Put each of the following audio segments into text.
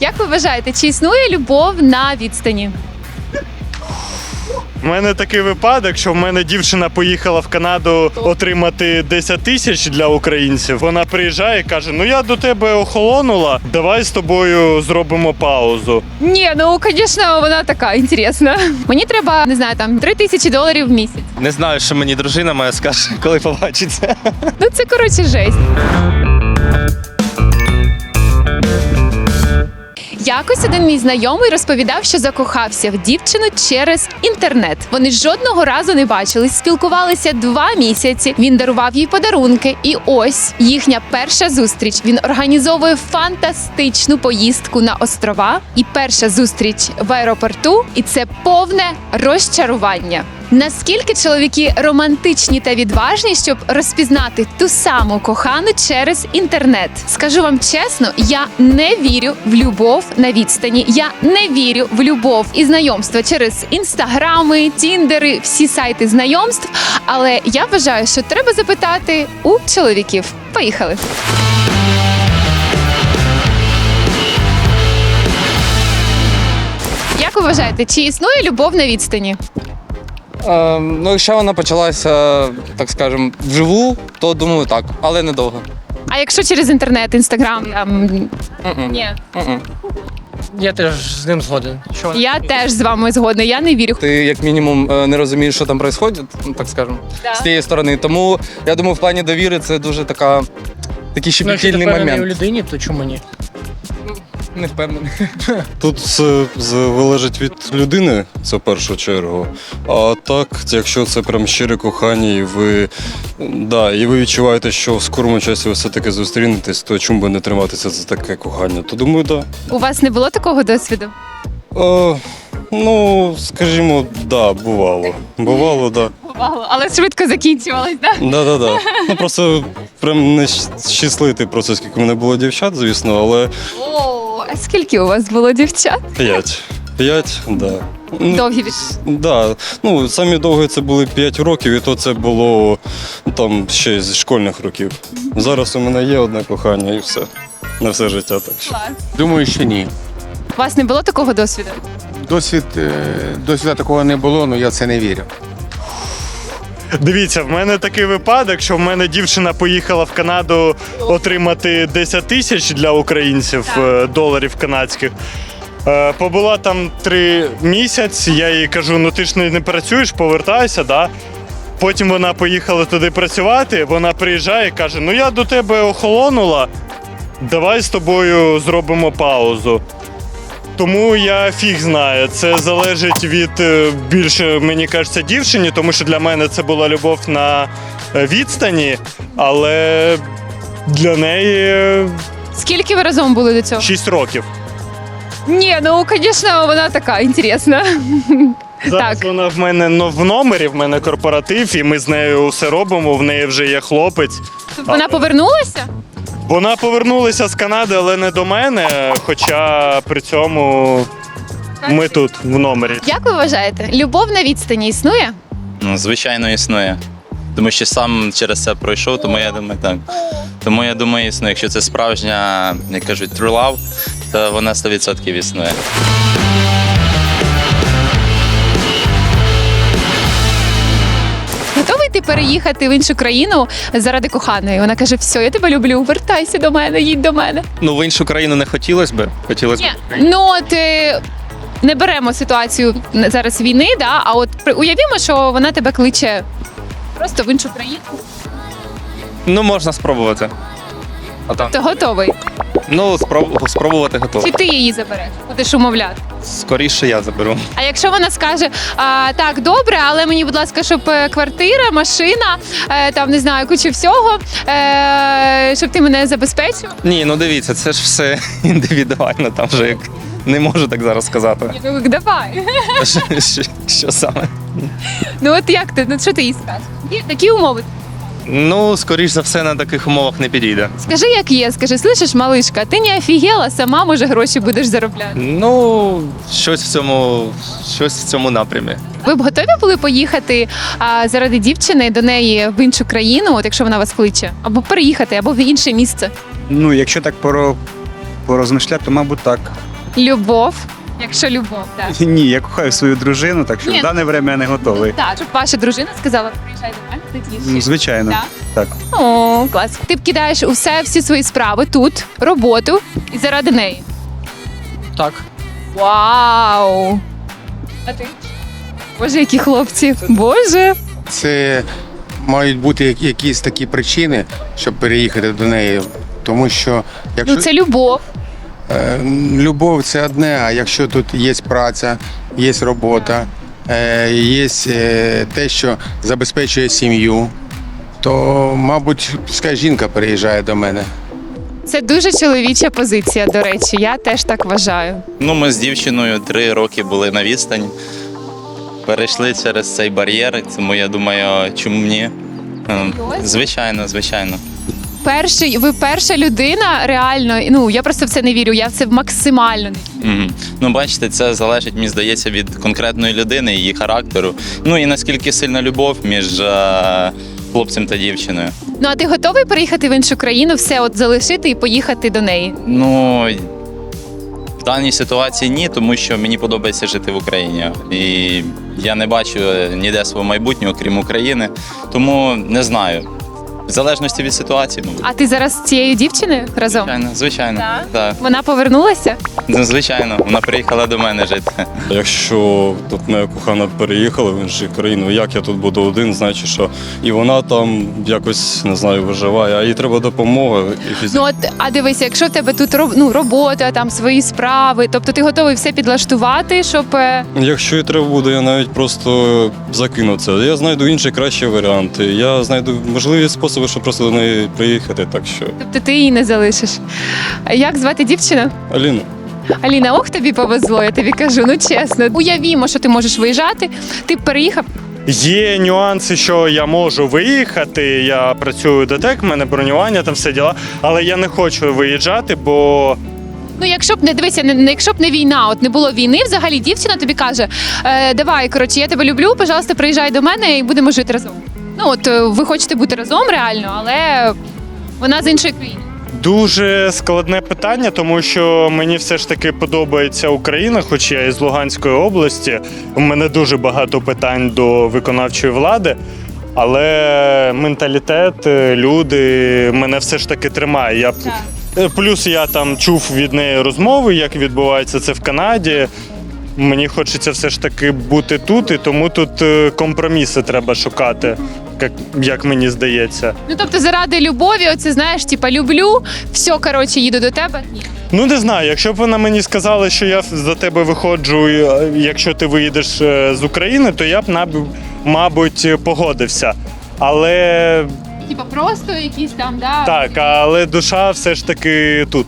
Як ви вважаєте, чи існує любов на відстані? У мене такий випадок, що в мене дівчина поїхала в Канаду отримати 10 тисяч для українців. Вона приїжджає і каже: ну я до тебе охолонула, давай з тобою зробимо паузу. Ні, ну, звісно, вона така інтересна. Мені треба, не знаю, там $3000 в місяць. Не знаю, що мені дружина моя скаже, коли побачиться. Ну, це, коротше, жесть. Якось один мій знайомий розповідав, що закохався в дівчину через інтернет. Вони жодного разу не бачились, спілкувалися 2 місяці. Він дарував їй подарунки. І ось їхня перша зустріч. Він організовує фантастичну поїздку на острова. І перша зустріч в аеропорту. І це повне розчарування. Наскільки чоловіки романтичні та відважні, щоб розпізнати ту саму кохану через інтернет? Скажу вам чесно, я не вірю в любов на відстані. Я не вірю в любов і знайомства через інстаграми, тіндери, всі сайти знайомств. Але я вважаю, що треба запитати у чоловіків. Поїхали! Як ви вважаєте, чи існує любов на відстані? Ну, якщо вона почалася, так скажемо, вживу, то думаю так, але недовго. А якщо через інтернет, інстаграм, там... Ні. Я теж з ним згоден. Що вона- Я теж з вами згодна, я не вірю. Ти як мінімум не розумієш, що там відбувається, ну, так скажемо, Да. з тієї сторони. Тому я думаю, в плані довіри це дуже такий Ну, якщо ти щепетільний впевнений у момент. людині, то чому ні? Не впевнений. Тут все залежить від людини, це в першу чергу. А так, якщо це прям щире кохання, і ви відчуваєте, що в скорому часі ви все-таки зустрінетесь, то чому би не триматися за таке кохання? То думаю, так. У вас не було такого досвіду? Ну, скажімо, да, бувало. Бувало, да. Бувало, але швидко закінчувалось, так? Да. Ну просто прям не щасливий процес, скільки в мене було дівчат, звісно, але О, а скільки у вас було дівчат? 5. 5, да. Ну, Довгі від... Да, ну самі довгі це були 5 років, і то це було там ще з школьних років. Зараз у мене є одне кохання і все. На все життя так що. Думаю, що ні. У вас не було такого досвіду? Досвіду такого не було, але я в це не вірю. Дивіться, в мене такий випадок, що в мене дівчина поїхала в Канаду отримати 10 тисяч для українців доларів канадських. Побула там 3 місяці, я їй кажу: ну ти ж не працюєш, повертайся, да? Потім вона поїхала туди працювати, вона приїжджає і каже: ну я до тебе охолонула, давай з тобою зробимо паузу. Тому я фіг знаю, це залежить від більше, мені кажеться, дівчині, тому що для мене це була любов на відстані, але для неї Скільки ви разом були до цього? 6 років. Ні, ну, звісно, вона така інтересна. Зараз Так. вона в мене в номері, в мене корпоратив, і ми з нею все робимо, в неї вже є хлопець. Вона повернулася? Вона повернулася з Канади, але не до мене, хоча при цьому ми тут, в номері. Як ви вважаєте, любов на відстані існує? Ну, звичайно, існує. Тому що сам через це пройшов, тому я думаю, так. Тому я думаю, існує. Якщо це справжня, як кажуть, true love, то вона 100% існує. Готовий ти переїхати в іншу країну заради коханої? Вона каже: все, я тебе люблю, вертайся до мене, їдь до мене. Ну, в іншу країну не хотілося б. Хотілося б. Ні, ну от не беремо ситуацію зараз війни, да? А от уявімо, що вона тебе кличе просто в іншу країну. Ну, можна спробувати. А там? Ти готовий? Ну, спробувати готово. Чи ти її забереш? Будеш умовляти? Скоріше я заберу. А якщо вона скаже: так, добре, але мені, будь ласка, щоб квартира, машина, там не знаю, куча всього, щоб ти мене забезпечив? Ні, ну дивіться, це ж все індивідуально, там вже як не можу так зараз сказати. Ну, давай. Що саме? Ну от як ти? Ну що ти їй скажеш? Є такі умови. Ну, скоріш за все, на таких умовах не підійде. Скажи, як є, скажи: слышиш, малишка, ти не офігела, сама, може, гроші будеш заробляти. Ну, щось в цьому напрямі. Ви б готові були поїхати заради дівчини до неї в іншу країну, от якщо вона вас кличе? Або переїхати, або в інше місце? Ну, якщо так порозмишляти, то, мабуть, так. Любов. Якщо любов, так. Ні, я кохаю свою дружину, так що Ні. в дане время я не готовий. Так, щоб ваша дружина сказала, приїжджай до мене, ти тішиш. Ну, звичайно. Так? Так. О, клас. Ти б кидаєш всі свої справи тут, роботу і заради неї. Так. Вау! А ти? Боже, які хлопці. Боже. Це мають бути якісь такі причини, щоб переїхати до неї. Тому що якщо Ну це любов. любов це одне, а якщо тут є праця, є робота, є те, що забезпечує сім'ю, то, мабуть, пускай жінка переїжджає до мене. Це дуже чоловіча позиція, до речі. Я теж так вважаю. Ну, ми з дівчиною 3 роки були на відстані. Перейшли через цей бар'єр, тому я думаю, чому ні? Звичайно, звичайно. Ви перша людина, реально. Ну я просто в це не вірю. Я в це максимально не вірю. Мгм. Ну, бачите, це залежить, мені здається, від конкретної людини, її характеру. Ну і наскільки сильна любов між хлопцем та дівчиною. Ну а ти готовий переїхати в іншу країну, все от залишити і поїхати до неї? Ну, в даній ситуації ні, тому що мені подобається жити в Україні. І я не бачу ніде свого майбутнього, крім України. Тому не знаю. В залежності від ситуації, мабуть. А ти зараз з цією дівчиною разом? Звичайно, звичайно. Так? Так. Вона повернулася? Ну, звичайно, вона приїхала до мене жити. Якщо тут моя кохана переїхала в іншу країну, як я тут буду один, значить, що і вона там якось, не знаю, виживає, а їй треба допомога. Ну от, а дивися, якщо в тебе тут робота, там свої справи, тобто ти готовий все підлаштувати, щоб. Якщо і треба буде, я навіть просто закину це. Я знайду інші кращі варіанти. Я знайду можливі способи, щоб просто до неї приїхати. Так що Тобто ти її не залишиш. А як звати дівчину? Аліна. Аліна, ох, тобі повезло, я тобі кажу, ну чесно. Уявімо, що ти можеш виїжджати, ти б переїхав. Є нюанси, що я можу виїхати. Я працюю ДТЕК, в мене бронювання, там все діла, але я не хочу виїжджати, бо Ну, якщо б не дивися, якщо б не війна, от не було війни, взагалі дівчина тобі каже: давай, коротше, я тебе люблю, пожалуйста, приїжджай до мене і будемо жити разом. Ну от ви хочете бути разом реально, але вона з іншої країни. дуже складне питання, тому що мені все ж таки подобається Україна, хоч я із Луганської області. У мене дуже багато питань до виконавчої влади, але менталітет, люди мене все ж таки тримає. Плюс я там чув від неї розмови, як відбувається це в Канаді. Мені хочеться все ж таки бути тут, і тому тут компроміси треба шукати, як мені здається. Ну тобто заради любові, оце знаєш, типа люблю, все, коротше, їду до тебе. Ні. Ну не знаю, якщо б вона мені сказала, що я за тебе виходжу, якщо ти виїдеш з України, то я б, мабуть, погодився. Але Типа просто якісь там, да. так, але душа все ж таки тут.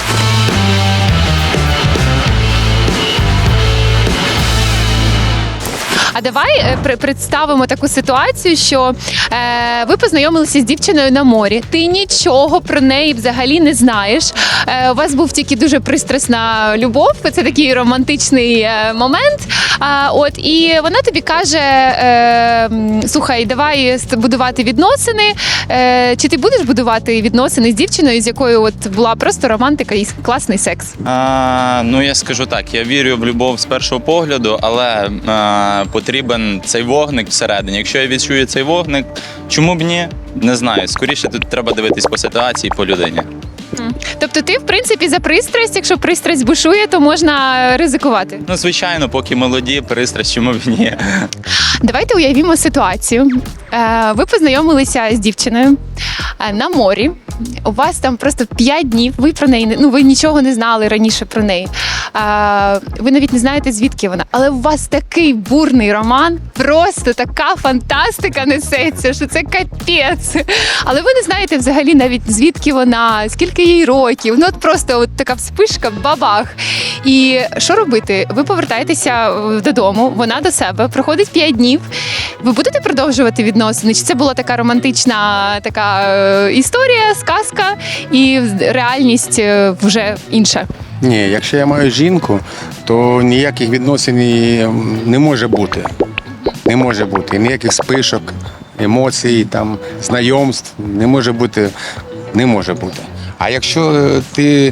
А давай представимо таку ситуацію, що ви познайомилися з дівчиною на морі. Ти нічого про неї взагалі не знаєш. У вас був тільки дуже пристрасна любов. Це такий романтичний момент. І вона тобі каже: слухай, давай будувати відносини. Чи ти будеш будувати відносини з дівчиною, з якою от була просто романтика і класний секс? Ну, я скажу так, я вірю в любов з першого погляду, але потрібен цей вогник всередині. Якщо я відчую цей вогник, чому б ні? Не знаю. Скоріше тут треба дивитись по ситуації, по людині. Тобто ти, в принципі, за пристрасть, якщо пристрасть бушує, то можна ризикувати. Ну, звичайно, поки молоді, пристрасть, чому б ні? Давайте уявімо ситуацію. Ви познайомилися з дівчиною на морі. У вас там просто 5 днів. Ви про неї ви нічого не знали раніше про неї. Ви навіть не знаєте, звідки вона. Але у вас такий бурний роман, просто така фантастика несеться, що це капець. Але ви не знаєте взагалі навіть звідки вона, скільки їй років. Ну от просто от така вспишка, бабах. І що робити? Ви повертаєтеся додому, вона до себе, проходить 5 днів. Ви будете продовжувати відносини? Чи це була така романтична історія, сказка, і реальність вже інша? Ні, якщо я маю жінку, то ніяких відносин не може бути. Не може бути. Ніяких спишок, емоцій, там, знайомств не може бути. Не може бути. А якщо ти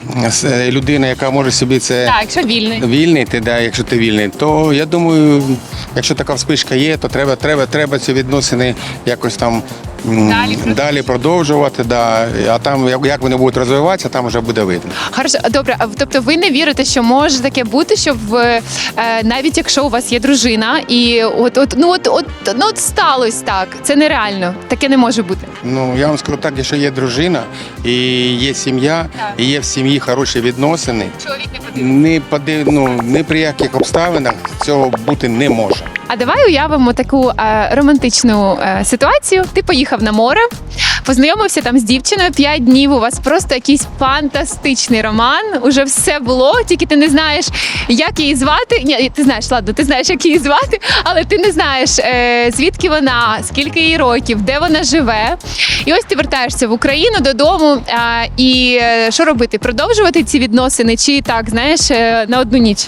людина, яка може собі це Так, якщо вільний. вільний, да, якщо ти вільний, то я думаю, якщо така вспишка є, то треба ці відносини якось там далі продовжувати. Да. А там, як вони будуть розвиватися, там вже буде видно. Хорошо, добре. Тобто ви не вірите, що може таке бути, що навіть якщо у вас є дружина, і от сталося так, це нереально, таке не може бути. Ну, я вам скажу так, якщо є дружина, і є сім'я, і є в сім'ї хороші відносини, Чоловік не подивиться. ні при яких обставинах цього бути не може. А давай уявимо таку романтичну ситуацію. Ти поїхав на море, познайомився там з дівчиною 5 днів. У вас просто якийсь фантастичний роман. Уже все було, тільки ти не знаєш, як її звати. Ні, ти знаєш, ладно, ти знаєш, як її звати, але ти не знаєш, звідки вона, скільки їй років, де вона живе. І ось ти вертаєшся в Україну додому. І що робити? Продовжувати ці відносини чи так, знаєш, на одну ніч?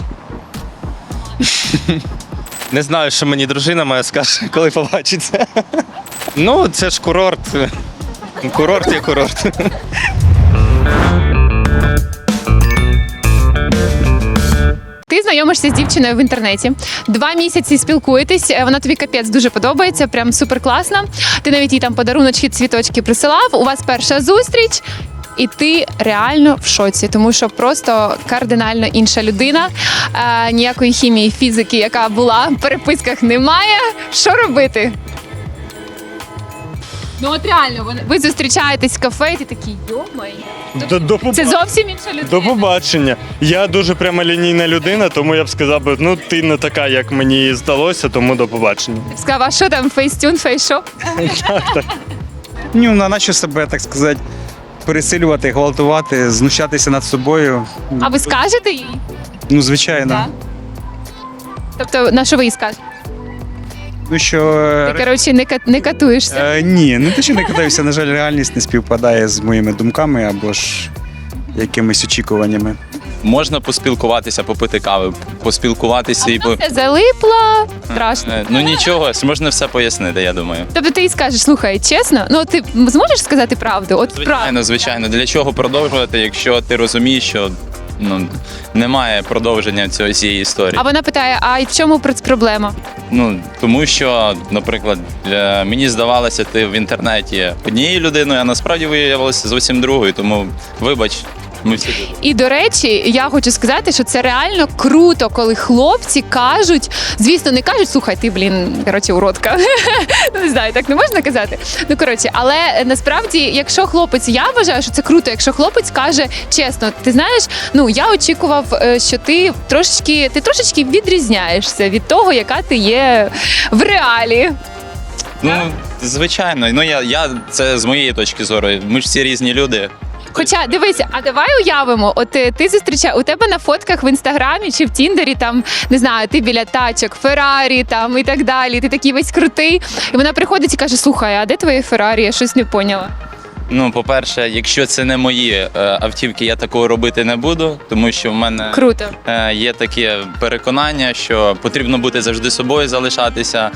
Не знаю, що мені дружина моя скаже, коли побачиться. Ну, це ж курорт. Курорт є курорт. Ти знайомишся з дівчиною в інтернеті. 2 місяці спілкуєтесь, вона тобі капець дуже подобається, прям супер класна. Ти навіть їй там подаруночки, цвіточки присилав. У вас перша зустріч. І ти реально в шоці, тому що просто кардинально інша людина. Ніякої хімії, фізики, яка була в переписках, немає. Що робити? Ну от реально, ви зустрічаєтесь в кафе, і ти такий, йомай. Це зовсім інша людина. До побачення. Я дуже прямолінійна людина, тому я б сказав би, ну ти не така, як мені здалося, тому до побачення. Сказав, а що там, фейстюн, фейшоп? Ну, на що себе, так сказати, пересилювати, гвалтувати, знущатися над собою. А ви скажете їй? Ну, звичайно. Тобто, на що ви їй скажете? Ну що. Ти, коротше, не катуєшся. Ні, не те, що не катаюся, на жаль, реальність не співпадає з моїми думками або ж якимись очікуваннями. Можна поспілкуватися, попити кави, поспілкуватися і Все залипло, страшно. Ну нічого, можна все пояснити, я думаю. Тобто ти їй скажеш, слухай, чесно, ну ти зможеш сказати правду? От правду. Звичайно, звичайно. Для чого продовжувати, якщо ти розумієш, що немає продовження цієї історії. А вона питає, а в чому проблема? Ну тому що, наприклад, мені здавалося, ти в інтернеті однією людиною, а насправді виявилося зовсім другою. Тому вибач. Ми всі люди. І, до речі, я хочу сказати, що це реально круто, коли хлопці кажуть, звісно, не кажуть, слухай, ти, коротше, уродка. Не знаю, так не можна казати. Ну, коротше, але насправді, якщо хлопець, я вважаю, що це круто, якщо хлопець каже чесно, ти знаєш, ну, я очікував, що ти трошечки відрізняєшся від того, яка ти є в реалі. Ну, звичайно. Ну, я це з моєї точки зору. Ми ж всі різні люди. Хоча, дивися, а давай уявимо, от ти зустрічаєш, у тебе на фотках в Інстаграмі чи в Тіндері, там, не знаю, ти біля тачок, Феррарі там і так далі, ти такий весь крутий, і вона приходить і каже, слухай, а де твоє Феррарі, я щось не поняла. Ну, по-перше, якщо це не мої автівки, я такого робити не буду, тому що в мене Круто. є таке переконання, що потрібно бути завжди собою, залишатися,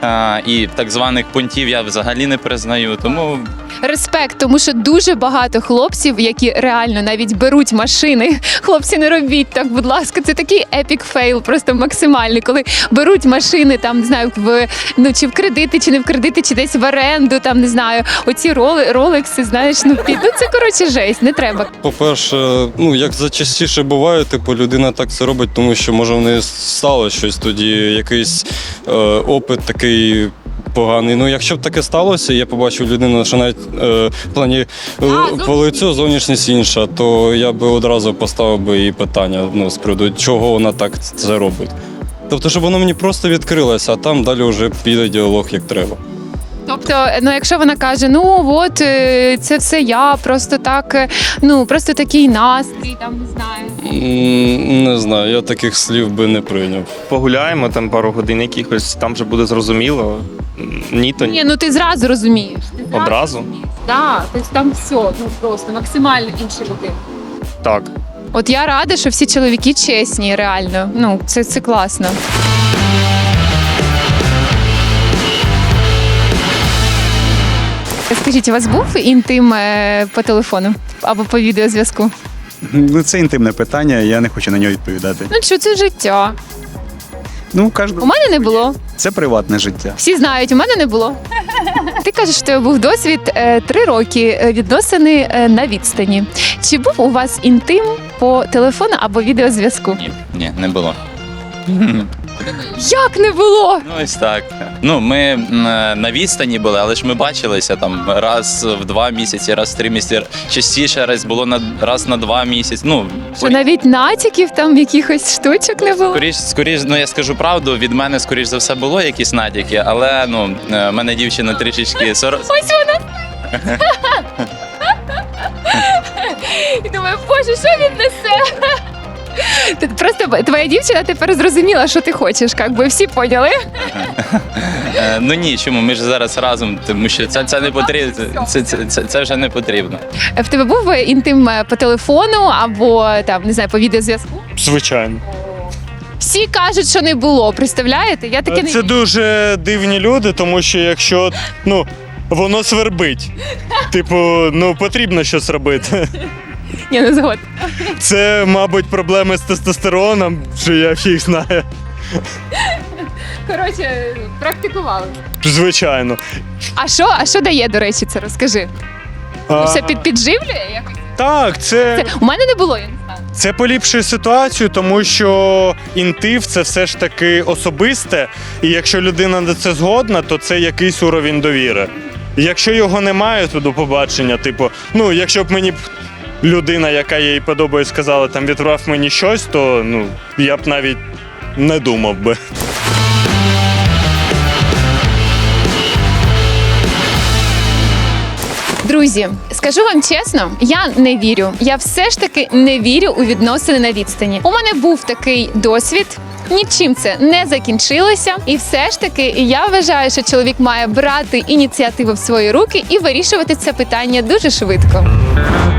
і так званих понтів я взагалі не признаю, тому... Респект, тому що дуже багато хлопців, які реально навіть беруть машини. Хлопці, не робіть так, будь ласка, це такий епік фейл, просто максимальний, коли беруть машини, там, не знаю, чи в кредити, чи не в кредити, чи десь в оренду, там, не знаю, оці ролекси, знаєш, це, коротше, жесть, не треба. По-перше, ну як зачастіше буває, типу людина так це робить, тому що може в неї стало щось тоді, якийсь опит такий поганий. Ну, якщо б таке сталося, я побачив людину, що навіть в плані по лицю зовнішність інша, то я би одразу поставив би їй питання, ну, з приводу, чого вона так це робить. Тобто, щоб воно мені просто відкрилося, а там далі вже піде діалог як треба. Тобто, ну якщо вона каже, ну от це все я, просто так, ну просто такий настрій, там не знаю. Не знаю, я таких слів би не прийняв. Погуляємо там пару годин якихось, там вже буде зрозуміло. Ні, то Ні, ну ти зразу розумієш. Одразу? Так, тобто там все, ну просто максимально інші люди. Так. От я рада, що всі чоловіки чесні, реально. Ну, це класно. Скажіть, у вас був інтим по телефону або по відеозв'язку? Ну, це інтимне питання, я не хочу на нього відповідати. Ну що це життя? Ну, У мене не було. це приватне життя. Всі знають, у мене не було. Ти кажеш, що у тебе був досвід 3 роки відносини на відстані. Чи був у вас інтим по телефону або відеозв'язку? Ні, не було. Як не було? Ну, ось так. Ну, ми на відстані були, але ж ми бачилися там раз в 2 місяці, раз в 3 місяці. Частіше раз було раз на 2 місяці. Ну, Що навіть натяків там якихось штучок не було? скоріш, ну я скажу правду, від мене скоріш за все було якісь натяки, але ну, в мене дівчина трішечки Ось вона. І думаю, боже, що він несе? Просто твоя дівчина тепер зрозуміла, що ти хочеш, як би всі поняли. Ну ні, чому? Ми ж зараз разом, тому що це не потрібно. Це вже не потрібно. В тебе був інтим по телефону або там, не знаю, по відеозв'язку? Звичайно. Всі кажуть, що не було. Представляєте? Я таке не Це дуже дивні люди, тому що якщо ну, воно свербить. Типу, ну потрібно щось робити. Ні, не згодна. Це, мабуть, проблеми з тестостероном, що я фіг знаю. Коротше, практикували. Звичайно. А що дає, до речі, це розкажи? А, Все підживлює якось? Так, це У мене не було, я не знаю. Це поліпшує ситуацію, тому що інтив це все ж таки особисте, і якщо людина на це згодна, то це якийсь уровень довіри. Якщо його немає, то до побачення. Типу, ну якщо б мені людина, яка їй подобає, сказала, там відправ мені щось, то ну я б навіть не думав би. Друзі, скажу вам чесно, я не вірю. Я все ж таки не вірю у відносини на відстані. У мене був такий досвід. Нічим це не закінчилося, і все ж таки я вважаю, що чоловік має брати ініціативу в свої руки і вирішувати це питання дуже швидко.